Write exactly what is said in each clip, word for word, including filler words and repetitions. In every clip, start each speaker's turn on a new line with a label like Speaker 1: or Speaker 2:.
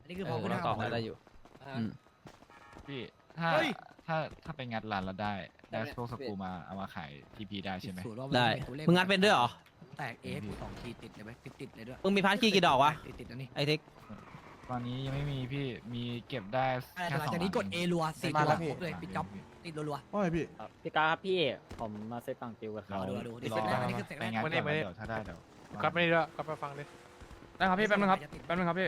Speaker 1: นี่คือพอคุณ
Speaker 2: เรา
Speaker 1: ทำ
Speaker 2: ตอบได้อยู่
Speaker 3: พี่ถ้า
Speaker 1: เฮ้ย
Speaker 3: ถ้าถ้าไปงัดร้านเราได้ได้พวกสกรูมาเอามาขายทีพีได้ใช่ไหม
Speaker 1: สูตรว่า
Speaker 2: ได้
Speaker 1: นตัวลข
Speaker 2: มึงงัดเป็นด้วยเหรอ
Speaker 1: แตกเอฟสองทีติดเลยไหมติดติดเลยด้วย
Speaker 2: มึงมีพาร์ทคีย์กี่ดอกวะ
Speaker 1: ติดติดนะนี่
Speaker 2: ไอเทค
Speaker 3: ตอนนี้ยังไม่มีพี่มีเก็บได้
Speaker 1: แต่
Speaker 3: แค่
Speaker 1: หลัง
Speaker 3: สอง
Speaker 1: จากนี้กด A รัวสี่
Speaker 3: มา
Speaker 1: ตัว
Speaker 3: แล้วพี่
Speaker 1: ครบเลยปิดจ็อบติดรัว
Speaker 4: ว่าไงพี่
Speaker 5: พี่กาครับพี่ผมมาเซตตังติวกันค
Speaker 1: ๆ
Speaker 5: รั
Speaker 1: ร
Speaker 5: บ
Speaker 1: อดูรอดูนี่
Speaker 3: ร
Speaker 1: เสร็
Speaker 3: อ
Speaker 1: จแล้วอันนี้คือเสร็จ
Speaker 3: ไป
Speaker 1: แล้ว
Speaker 3: งัด
Speaker 6: ไม่ได้
Speaker 3: ก่อน
Speaker 6: ไม่ได้
Speaker 3: เดี๋ยวถ้าได้เดี๋ยว
Speaker 6: กลับไม่ได้ด้วยกลับไปฟังดิ
Speaker 7: ได้ครับพี่แป๊บนึงครับแป๊บนึงครับพี่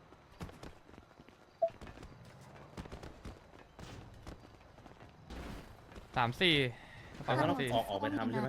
Speaker 7: สามสี่กระเป๋าสามสี่
Speaker 8: ออกออกไปทำใช่ไหม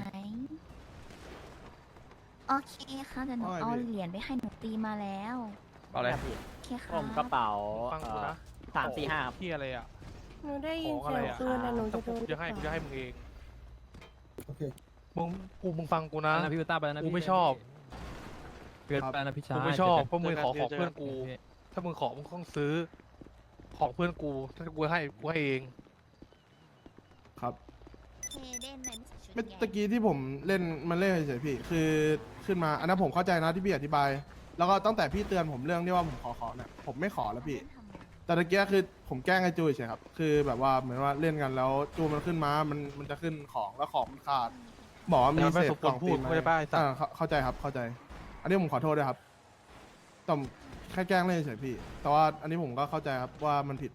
Speaker 8: โอเคค่ะเดี๋ยวหนู
Speaker 4: ว่าไง
Speaker 8: เอา
Speaker 4: พี่
Speaker 8: เหรียญไปให้หนูตีมาแล้ว
Speaker 7: เอาเลย
Speaker 5: พี่
Speaker 8: โอเคค่ะ
Speaker 5: ผมกระเป๋า
Speaker 6: ฟังกูนะ
Speaker 5: สามสี่ห้าครับ
Speaker 6: พี่อะไรอ่ะ
Speaker 9: หนูได้ยิ
Speaker 6: ข
Speaker 9: น
Speaker 6: องอะไร
Speaker 9: เสียง
Speaker 6: อ่ะ
Speaker 9: ปืนนะหนู
Speaker 6: ถ้า
Speaker 9: จะ
Speaker 6: กู
Speaker 9: โดน
Speaker 6: จะให้กูจะให้มึงเอง
Speaker 4: โอเค
Speaker 6: มึงกูมึงฟังกูนะ
Speaker 2: นะพี่วิต้าไปแล้วนะ
Speaker 6: กู
Speaker 2: พี่
Speaker 6: ไม่ชอบ
Speaker 2: เกินไปนะพี่ชาย
Speaker 6: กูไม่ชอบเพราะมึงขอของเพื่อนกู ถ้ามึงขอมึงต้องซื้อ ของเพื่อนกู ถ้ากูให้กูให้เอง
Speaker 4: ครับ
Speaker 8: เคเด่นเป็นชุด
Speaker 4: เมื่อ
Speaker 8: ใหญ่
Speaker 4: ตะกี้ที่ผมเล่นมันเล่นเฉยๆพี่ คือขึ้นมาอันนั้นผมเข้าใจนะที่พี่อธิบาย แล้วก็ตั้งแต่พี่เตือนผมเรื่องที่ว่าผมขอขอเนี่ยผมไม่ขอแล้วพี่ แต่ตะกี้คือผมแกล้งไอ้จูเฉยๆครับ คือแบบว่าเหมือนว่าเล่นกันแล้วจูมันขึ้นมา มันมันจะขึ้นของแล้วของมันขาด บอกว่ามี
Speaker 6: แต่มันไม่
Speaker 4: เศษ
Speaker 6: สมค
Speaker 4: ก
Speaker 6: วร
Speaker 4: ล่อง
Speaker 6: พู
Speaker 4: ตี
Speaker 6: ด
Speaker 4: น
Speaker 6: ไม่ได้ป้าไอ้สัตว์
Speaker 4: อ่าเข้าเข้าใจครับเข้าใจ อันนี้ผมขอโทษด้วยครับแต่แค่แกล้งเล่นเฉยๆพี่ แต่ว่าอันนี้ผมก็เข้าใจครับว่ามันผิด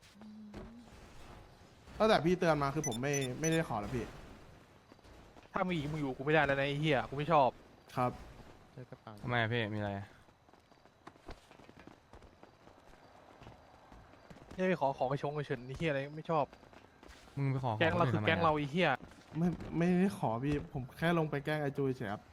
Speaker 4: ตั้งแต่พี่เตือนมาคือผมไม่ไม่ได้ขอแล้วพี่
Speaker 6: ถ้ามีอีกมึงอยู่กูไม่ได้แล้วนะไอ้เหี้ยกูไม่ชอบ
Speaker 4: ครับ
Speaker 7: ทำไมอะพี่มีอะไร
Speaker 6: ไม่ไปขอของไปชงไปเฉินไอ้เหี้ยอะไรไม่ชอบ
Speaker 7: มึงไปขอข
Speaker 6: แก๊งเราคือ
Speaker 7: ทำไมะ
Speaker 6: แก๊งเราไอ้เหี้ย
Speaker 4: ไม่ไม่ได้ขอพี่ ผมแค่ลงไปแกล้งไอจูเฉยๆครับ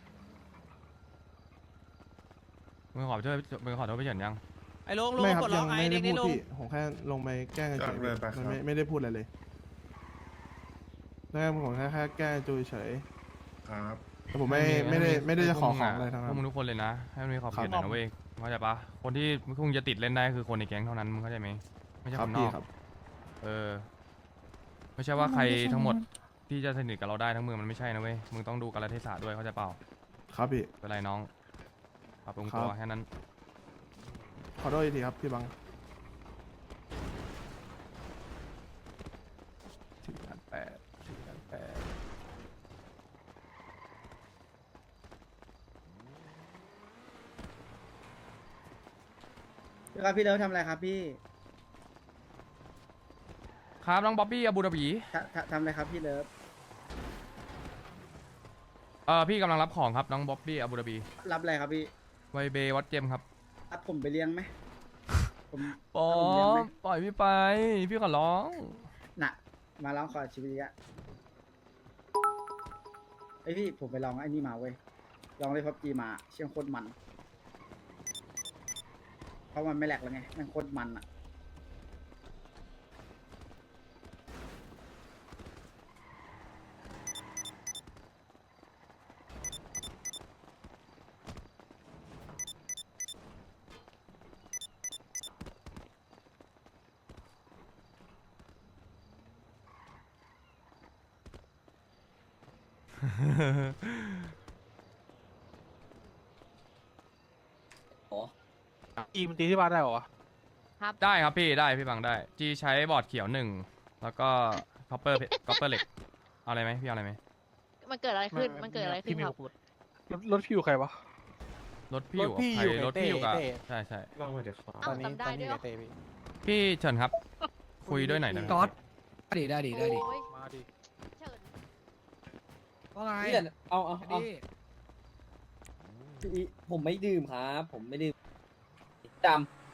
Speaker 7: มึงขอโทษมึงขอโทษพี่เฉินยัง
Speaker 2: ไอ้ลุงลุง
Speaker 4: ไม่ครั
Speaker 2: ก
Speaker 4: บ
Speaker 2: ดล็
Speaker 4: ยั
Speaker 2: อก
Speaker 4: ง
Speaker 2: ไอ้
Speaker 4: ไม่
Speaker 2: เด็
Speaker 4: ได้
Speaker 2: ก
Speaker 4: พู
Speaker 2: นี่
Speaker 4: ด
Speaker 2: ลุง
Speaker 4: พี่ผมแค่ลงไปแกล้งเฉ
Speaker 8: ก็
Speaker 4: ย
Speaker 8: เลยไปค
Speaker 4: ๆ
Speaker 8: รับ
Speaker 4: มันไม่ไม่ได้พูดอะไรเลยแล้วผมแค่แค่แกล้งไอ้จูเฉย
Speaker 8: ครับ
Speaker 4: ๆแต่ผมไม่ไม่ได้ไม่ได้จะขอของอะไรทั้ง
Speaker 7: พ
Speaker 4: นั้
Speaker 7: วกมึง
Speaker 4: น
Speaker 7: ทุกคนเลยนะ ให้มันมีขอบ
Speaker 4: ครั
Speaker 7: เข
Speaker 4: บ
Speaker 7: ตหน่อยนะเว้ยเข้าใจปะคนที่มึงจะติดเล่นได้คือคนในแก๊งเท่านั้นมึงเข้าใจไหมไม่ใช่
Speaker 4: ค
Speaker 7: ครับ นน
Speaker 4: พี่
Speaker 7: อก
Speaker 4: ครับ
Speaker 7: เออ ไม่ใช่ว่าใครทั้งหมดที่จะสนิทกับเราได้ทั้งเมืองมันไม่ใช่นะเว้ยมึงต้องดูกาลเทศะด้วยเข้าใจเปล่า
Speaker 4: ครับพี่
Speaker 7: เป็นไรน้องปรับปรุง
Speaker 4: ครับ
Speaker 7: ตัวแค่นั้น
Speaker 4: ขอโทษอีกทีครับพี่บัง
Speaker 7: ถึงกันแปดถึงกันแปด
Speaker 5: พี่ครับพี่เลิฟทำอะไรครับพี่
Speaker 7: ครับน้องบ๊อบบี้อาบูดาบี
Speaker 5: ทำอะไรครับพี่เลิฟ
Speaker 7: เออพี่กำลังรับของครับน้องบ๊อบบี้อาบูดาบี
Speaker 5: รับอะไรครับพี่
Speaker 7: ไวเบวัดเจมครับ
Speaker 5: รับผมไปเลี้ยงไหมผม
Speaker 7: ปอ
Speaker 5: ผมเลี้ยงไหม
Speaker 7: ปล่อยพี่ไป พี่ขอร้อง
Speaker 5: น่ะ มาลองขอชีวิตอะไอพี่ผมไปลองไอ้นี่มาเว้ยลองเลยพับจีมาเชียงโคตรมัน เพราะมันไม่แหลกแล้วไงมันโคตรมันอะ
Speaker 6: อีมันตีที่บ้านได้เหรอวะ
Speaker 7: ได้ครับพี่ได้พี่บังได้จีใช้บอร์ดเขียวหนึ่งแล้วก็คอปเปอร์คอปเปอร์เหล็กเอาอะไรไหมพี่เอาอะไรไหม
Speaker 9: มันเกิดอะไรขึ้น มันเกิดอะไรขึ้น
Speaker 6: พี่
Speaker 9: ครับ
Speaker 6: พูดรถรถพี่อยู่ใครวะ
Speaker 7: รถพี่อยู่
Speaker 6: รถพี่
Speaker 7: ใคร
Speaker 6: อยู่
Speaker 7: รถพี่อยู่กับ
Speaker 6: เต้
Speaker 7: ใช่ใช่
Speaker 8: ลองไปเดี๋ยวขอ
Speaker 9: อ้าวจำได้ด้วยเหรอ
Speaker 7: พี่เฉินครับ คุยด้วยหน่อยนะ
Speaker 1: ก๊อตได้ดิได้ดิได้ดิ
Speaker 9: โอ้ย
Speaker 6: มาดิ
Speaker 9: เฉิน
Speaker 1: ว่าไง
Speaker 5: เอาเอา
Speaker 1: ดิ
Speaker 5: ผมไม่ดื่มครับ ผมไม่ดื่มด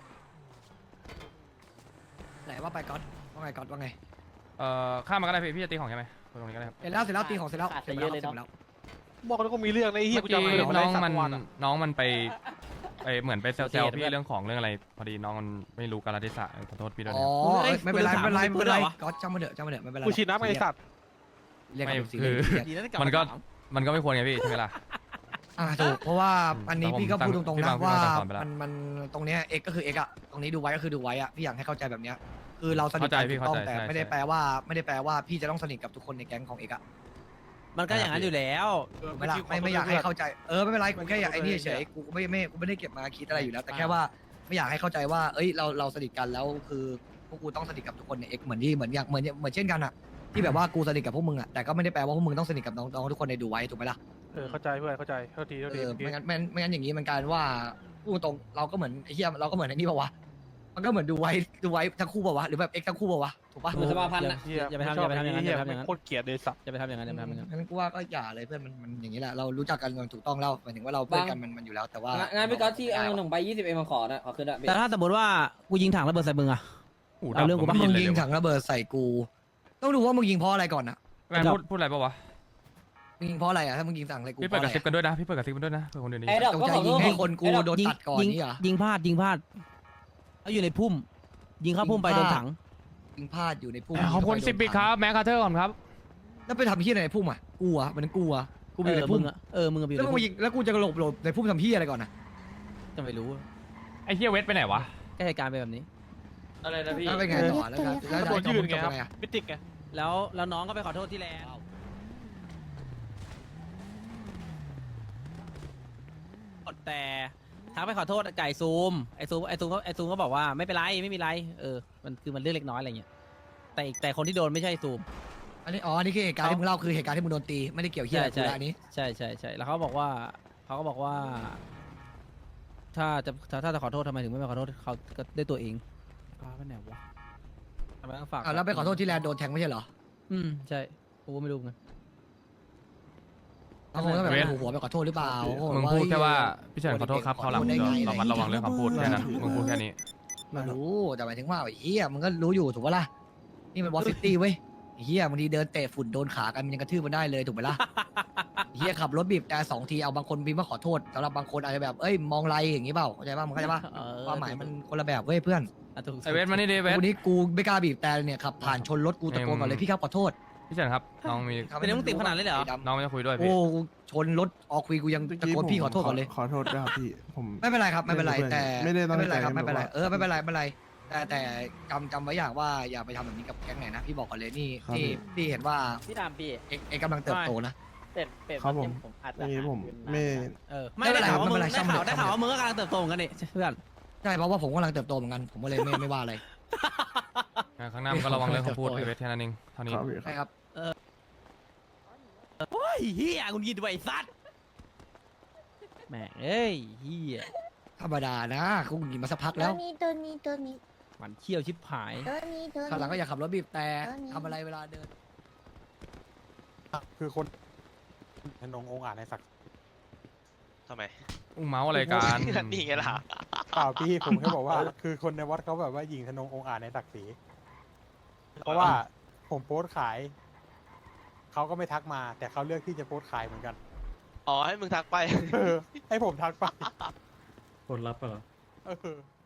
Speaker 1: ไหนว่าไปก๊อตว่าไงก๊อตว่าไง
Speaker 7: เอ่อข้ามมาก็ได้พี่พี่จะตีของใช่ไหมคุยตรงนี้ก็ได้ครับ
Speaker 1: เสร็จแล้วเสร็จแล้วตีของเสร็จแล้วเสร็จแล้วเสร็จแล้ว
Speaker 6: บอกแล้วก็มีเรื่องในะไอ้เหี้ย
Speaker 7: เมื่
Speaker 6: กู
Speaker 7: อ
Speaker 6: จำ
Speaker 7: กี้
Speaker 6: ไม่ได้
Speaker 7: น้องมัน
Speaker 6: สักวัอะ
Speaker 7: น้องมันไปไปเหมือนไปแซวๆพี่เรื่องของเรื่องอะไร พอดีน้องมันไม่รู้กาลเทศะขอโทษพี่ด้วย
Speaker 1: อ๋อ
Speaker 7: นะ
Speaker 1: เอ้ยไม่เป็นไรไม่เป็นไรไม่เป็นไร
Speaker 2: มึงถาม
Speaker 1: ก๊อตจำมาเถอะจำมาเถอะไม่เป็นไร
Speaker 6: กูฉีดน้ำไอ้สัตว์
Speaker 1: เรียก
Speaker 7: ไม่
Speaker 1: กันเป็นสี
Speaker 7: คือ
Speaker 1: เรียก
Speaker 7: มันก็มันก็ไม่ควรไงพี่ใช่ไหมล่ะ
Speaker 1: อ่าถูกเพราะว่าอันนี้
Speaker 7: แต่ผม
Speaker 1: พี่ก็พูดตรงๆ
Speaker 7: พี่
Speaker 1: นะ
Speaker 7: บางพี่
Speaker 1: ว่า
Speaker 7: บางสั่งสอนไปแล้ว
Speaker 1: มันมันตรงเนี้ยเอกก็คือเอกอะตรงนี้ดูไว้ก็คือดูไว้อะพี่อยากให้เข้าใจแบบเนี้ยคือเราสนิท
Speaker 7: เข้าใจ
Speaker 1: กัน
Speaker 7: พี่
Speaker 1: ถูกต้อง
Speaker 7: เข้าใจ
Speaker 1: แต่
Speaker 7: ใช่
Speaker 1: ไม่ได้
Speaker 7: ใช่
Speaker 1: แปลว่าไม่ได้แปลว่าพี่จะต้องสนิทกับทุกคนในแก๊งของเอกอะ
Speaker 2: มันก็อย่างนั้นอยู่แล้ว
Speaker 1: ถูกไหม่ละไม่ไม่อยากให้เข้าใจเออไม่เป็นไรกูแค่อยากไอ้นี่เฉยๆกูไม่ไม่กูไม่ได้เก็บมาคิดอะไรอยู่แล้ว แต่แค่ว่าไม่อยากให้เข้าใจว่าเอ้ยเราเราสนิทกันแล้วคือพวกกูต้องสนิทกับทุกคนในเอ็กเหมือนที่เหมือนอย่างเหมือนเหมือนเช่นกันอะที่แบบว่ากูสนิทกับพวกมึงอะแต่ก็ไม่ได้แปลว่าพวกมึงต้องสนิทกับน้องๆทุกคนในดูไว้ถูกไหมล่ะ
Speaker 6: เออเข้าใจเพื่อนเข้าใจเท่าทีเท่า
Speaker 1: เอ
Speaker 6: ที
Speaker 1: อ
Speaker 6: เมื่อกี้
Speaker 1: ไม่งั้นไม่งั้นไม่งั้นอย่างนี้มันกลายเป็นว่าพูดตรงเราก็เหมือนไอ้เหี้ยเราก็เหมือนไอ้นี่ป่าวะมันก็เหมือนดูไว้ดูไว้ทั้งคู่ป่าวะหรือแบบเอ็กทั้งคู่ป่าวะถูกปะ
Speaker 2: ถูก
Speaker 5: สภาพันธ์
Speaker 2: อย่า
Speaker 5: นะ
Speaker 6: เฮีย
Speaker 2: อย่าไป
Speaker 6: ไม่
Speaker 2: ทำ
Speaker 6: ชอบ
Speaker 2: อย่าไปทำอย่างนั้น
Speaker 6: เฮีย
Speaker 2: อย่าไปทำอย่างนั้น
Speaker 6: โคตรเกลียดเลยสัตว์
Speaker 2: จะไปทำอย่างนั้นจะไปทำอย่างนั้น
Speaker 1: งั้นกูว่าก็อย่าเลยเพื่อนมันมันอย่างนี้แหละเรารู้จักกันมันถูกต้องแล้วหมายถึงว่าเราเพื่อนกันมันมันอยู่แล้วแต่ว่าง
Speaker 5: านพี่ก๊อตที่เอาหนึ่งใบยี่สิบเอ็มมาขอนะขอคืนด้วย
Speaker 2: แต่ถ้าสมมติว่ากูยิงถังระเบิดใส่มึงอะ
Speaker 7: หู
Speaker 2: เอาเรื่องกู
Speaker 7: ดับ
Speaker 2: ปะ
Speaker 7: ผ
Speaker 1: มึ
Speaker 7: ไม่
Speaker 1: ง
Speaker 7: ได้
Speaker 1: ยิง
Speaker 7: เล
Speaker 1: ถังระเบิดใส่กู ต้องดูว่ามึงยิงเพราะอะไรก่อนนะ
Speaker 7: แวนพูดพูดอะไรปะวะ
Speaker 1: มึงยิงเพราะอะไรอ่ะถ้ามึงยิงสั่งอะไรกู
Speaker 7: พี่เปิดกระซิบกันด้วยนะพี่เปิดกระซิบกันด้วยนะเผื่อคนอื่นได้
Speaker 5: ไอ้
Speaker 7: ยิน
Speaker 5: ดอก
Speaker 1: จง
Speaker 5: ก็
Speaker 1: ใจ
Speaker 5: ขอโท
Speaker 1: ยิง
Speaker 5: ษ
Speaker 1: ให้คนกู
Speaker 5: ไอ้ดอก
Speaker 1: โดน
Speaker 2: ยิง
Speaker 1: ตัดก่อน
Speaker 2: ยิง
Speaker 1: นี่เหรอ
Speaker 2: ยิงพลาดยิงพลาดแล้วอยู่ในพุ่ม ยิงเข้าพุ่มไป
Speaker 1: ยิงพ
Speaker 2: โด
Speaker 1: ลาด
Speaker 2: นถัง
Speaker 1: ยิงพลาดอยู่ในพุ่ม
Speaker 7: ขอบคุณสิบบิกครับแม็กคาเทอร์ก่อนครับ
Speaker 1: แล้วไปทำที่ไหนในพุ่มอ่ะกูอ่ะมันกูอ่ะกูไป
Speaker 2: เอ
Speaker 1: อยู่
Speaker 2: อ
Speaker 1: ใน
Speaker 2: มึ
Speaker 1: พุ่ม
Speaker 2: งอะเออมึงอะไปอยู่
Speaker 1: แล้ว
Speaker 2: ใน
Speaker 1: มึง
Speaker 2: พุ่
Speaker 1: มาม ยิงแล้วกูจะหลบหลบในพุ่มทำที่อะไรก่อนนะ
Speaker 2: จะไม่รู้
Speaker 7: ไอ้เฮียเวทไปไหนวะ
Speaker 2: ก็เหตุการณ์เป็นแบบนี้
Speaker 5: อะไรนะพี่
Speaker 1: แล้วเป็นไงต่อแล้วแล้วแล้ว
Speaker 6: ตัว
Speaker 1: จะ
Speaker 6: ยืน
Speaker 1: จ
Speaker 6: ไง
Speaker 1: บ
Speaker 6: ครับ
Speaker 1: ไงอ่ะ
Speaker 6: มิติกไง
Speaker 2: แล้วแล้วน้องก็ไปขอโทษที่แลนด์แต่ทักไปขอโทษไก่ซูมไอซูมไอซูมก็ไอซูมก็บอกว่าไม่เป็นไรไม่มีไรเออมันคือมันเรื่องเล็กน้อยอะไรเงี้ยแต่อีกแต่คนที่โดนไม่ใช่ซูม
Speaker 1: อันนี้อ๋ออันนี้คือเหตุการณ์ที่มึงเล่าคือเหตุการณ์ที่มึงโดนตีไม่ได้เกี่ยวเหี้ยอะไรกูละอันนี้
Speaker 2: ใช่ใช่ใช่แล้วเขาบอกว่าเขาก็บอกว่า ถ้าจะถ้าถ้าจะขอโทษทำไมถึงไม่มาขอโทษเขาก็ด้วยตัวเองพาไปไหนวะทำไมต้องฝาก
Speaker 1: อ่ะแล้วไปขอโทษที่แลนด์โดนแทงไม่ใช่เหรอ
Speaker 2: อืมใช่กูก็ไม่รู้ไง
Speaker 1: เขาคงต้องแบบ
Speaker 7: เวท
Speaker 1: หัวไปขอโทษหรือเปล่า
Speaker 7: มึงพูดแค่ว่าพี่เฉินขอโทษครับเขาวหลัง
Speaker 1: ได้ไง
Speaker 7: เราระมัดระวังเรื่องคำพูดแค่นั้นมึงพูดแค่นี้
Speaker 1: ไม่รู้แต่หมายถึงว่าไอ้เหี้ยมึงก็รู้อยู่ถูกปะล่ะนี่มันวอซิตี้เว้ยไอ้เหี้ยบางทีเดินเตะฝุ่นโดนขากันมันยังกระทืบมันได้เลยถูกไหมล่ะ ไอ้เหี้ยขับรถบีบแต่สองทีเอาบางคนพิมพ์มาขอโทษสำหรับบางคนอาจจะแบบเอ้ยมองไรอย่างงี้เปล่าเข้าใจป่ะมึงเข้าใจป่ะ
Speaker 2: เออ
Speaker 1: ความหมายมันคนละแบบเว้ยเพื่อน
Speaker 2: อ่ะถูก
Speaker 7: ไอเวทมานี่ดิเวท
Speaker 1: กูนี้กูไม่กล้าบีบแต่เนี่ยขับผ่านชนรถกูตะโกนก่อนเลยพี่ครับขอโทษ
Speaker 7: พี่เฉินครับน้องมี
Speaker 2: เป็นเรื่องมึงติดขนาดนั้นเลยเหรอ
Speaker 7: น้องไม่จะคุยด้วย
Speaker 1: โอ้
Speaker 7: พี่
Speaker 1: กูชนรถออกคุยกูยังตะโกนพี่ขอโทษก่อนเลย
Speaker 4: ขอโทษด้วยครับพี่ผม
Speaker 1: ไม่เป็นไรครับไม่เป็นไร
Speaker 4: ไม่เป็นไร
Speaker 1: แต่
Speaker 4: ไม่ได้ตั้ง
Speaker 1: เป็นไรครับ
Speaker 4: ใจ
Speaker 1: ไม่เป็นไร
Speaker 4: แบบว่า
Speaker 1: เออไม่เป็นไรไม่เป็นไรแต่แต่จำจำไว้อย่างว่าอย่าไปทำแบบนี้กับแก๊งไหนนะพี่บอกก่อนเลยนี่
Speaker 4: ครับ
Speaker 1: นี่
Speaker 4: พี่
Speaker 1: พี่เห็นว่า
Speaker 5: พี่ดามพี่
Speaker 1: เอกเอกกำลังเติบโตนะ
Speaker 5: เป็ดเป็ด
Speaker 4: ครับผม
Speaker 5: ผมอาจ
Speaker 4: อ
Speaker 5: จะ
Speaker 4: ย่างนี้ผมไม่
Speaker 2: เออไม่ได้ข่าวว่ามึง
Speaker 1: ไม่เป็นไร
Speaker 2: ได้ข่าว
Speaker 1: ไม่เป็นไร
Speaker 2: ได้ข่าวว่ามึงก็กำลังเติบโตเหมือนกันนี่เพื่อน
Speaker 1: ใช่เพราะว่าผมกำลังเติบโตเหมือนกันผมก็เลยไม่ไม่ว่าอะไร
Speaker 7: ข้างหน้ามึงก็ระวังเรื่องคำพูดพี่เวทแค่นั้นเองเท่านี้
Speaker 4: ครับพี่ค
Speaker 1: ใช่
Speaker 4: รับ
Speaker 1: ครับ
Speaker 2: โอ้ยเฮียคุณยินด้วยไอ้สัตว์แม่งเอ้ยเฮีย
Speaker 1: ธรรมดานะกูกินมาสักพัก
Speaker 8: ตั
Speaker 1: แล้ว ว
Speaker 8: นี้ตัวนี้ตัวนี้
Speaker 2: หมันเขี้ยวชิบหาย
Speaker 8: ตัวนี้ตัว
Speaker 1: ข้างหลังก็
Speaker 8: นี้
Speaker 1: อย่าขับรถบีบแต่
Speaker 8: เออนี่
Speaker 1: ทำอะไรเวลาเดิน
Speaker 10: คือคนธนงองค์อาจในศักดิ์
Speaker 3: ทำไม
Speaker 7: อุ้งเมาส์อะไรกัน
Speaker 3: นี่ไงล่ะ
Speaker 10: เปล่าพี่ผมแค่บอกว่า คือคนในวัดเขาแบบว่ายิงธนงองค์อาจในศักดิ์ศรีเพราะว่าผมโพสต์ขายเขาก็ไม่ทักมา แต่เขาเลือกที่จะโพสต์ขายเหมือนกัน
Speaker 3: อ๋อ ให้มึงทักไป
Speaker 10: เออให้ผมทักไป
Speaker 8: ผลลัพธ์เหรอ
Speaker 10: เออ